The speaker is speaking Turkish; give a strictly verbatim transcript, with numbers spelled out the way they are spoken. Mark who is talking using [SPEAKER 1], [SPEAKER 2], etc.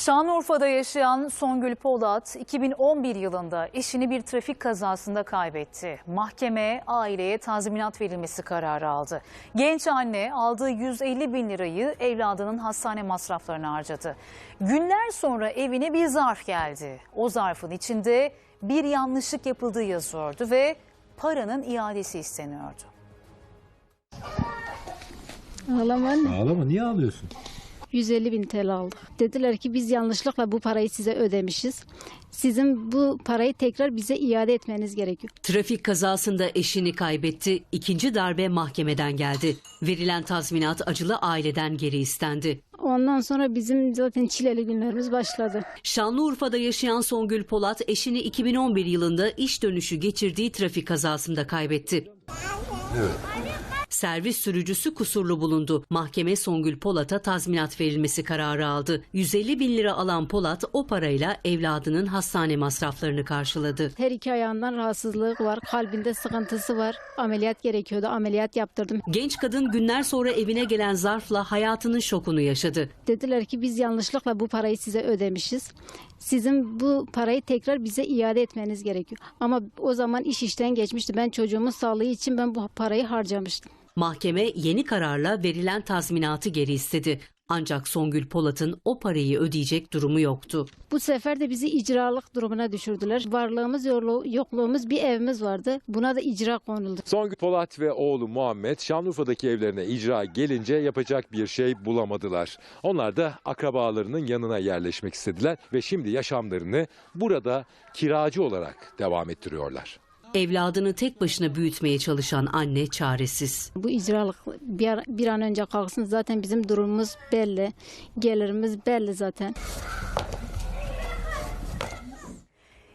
[SPEAKER 1] Şanlıurfa'da yaşayan Songül Polat iki bin on bir yılında eşini bir trafik kazasında kaybetti. Mahkeme aileye tazminat verilmesi kararı aldı. Genç anne aldığı yüz elli bin lirayı evladının hastane masraflarına harcadı. Günler sonra evine bir zarf geldi. O zarfın içinde bir yanlışlık yapıldığı yazıyordu ve paranın iadesi isteniyordu.
[SPEAKER 2] Ağlama anne.
[SPEAKER 3] Ağlama, niye ağlıyorsun?
[SPEAKER 2] yüz elli bin T L aldık. Dediler ki biz yanlışlıkla bu parayı size ödemişiz. Sizin bu parayı tekrar bize iade etmeniz gerekiyor.
[SPEAKER 4] Trafik kazasında eşini kaybetti. İkinci darbe mahkemeden geldi. Verilen tazminat acılı aileden geri istendi.
[SPEAKER 2] Ondan sonra bizim zaten çileli günlerimiz başladı.
[SPEAKER 4] Şanlıurfa'da yaşayan Songül Polat eşini iki bin on bir yılında iş dönüşü geçirdiği trafik kazasında kaybetti.
[SPEAKER 3] Evet.
[SPEAKER 4] Servis sürücüsü kusurlu bulundu. Mahkeme Songül Polat'a tazminat verilmesi kararı aldı. yüz elli bin lira alan Polat o parayla evladının hastane masraflarını karşıladı.
[SPEAKER 2] Her iki ayağından rahatsızlığı var, kalbinde sıkıntısı var. Ameliyat gerekiyordu, ameliyat yaptırdım.
[SPEAKER 4] Genç kadın günler sonra evine gelen zarfla hayatının şokunu yaşadı.
[SPEAKER 2] Dediler ki biz yanlışlıkla bu parayı size ödemişiz. Sizin bu parayı tekrar bize iade etmeniz gerekiyor. Ama o zaman iş işten geçmişti. Ben çocuğumun sağlığı için ben bu parayı harcamıştım.
[SPEAKER 4] Mahkeme yeni kararla verilen tazminatı geri istedi. Ancak Songül Polat'ın o parayı ödeyecek durumu yoktu.
[SPEAKER 2] Bu sefer de bizi icralık durumuna düşürdüler. Varlığımız, yokluğumuz bir evimiz vardı. Buna da icra konuldu.
[SPEAKER 5] Songül Polat ve oğlu Muhammed Şanlıurfa'daki evlerine icra gelince yapacak bir şey bulamadılar. Onlar da akrabalarının yanına yerleşmek istediler ve şimdi yaşamlarını burada kiracı olarak devam ettiriyorlar.
[SPEAKER 4] Evladını tek başına büyütmeye çalışan anne çaresiz.
[SPEAKER 2] Bu icralık bir, an, bir an önce kalksın. Zaten bizim durumumuz belli. Gelirimiz belli zaten.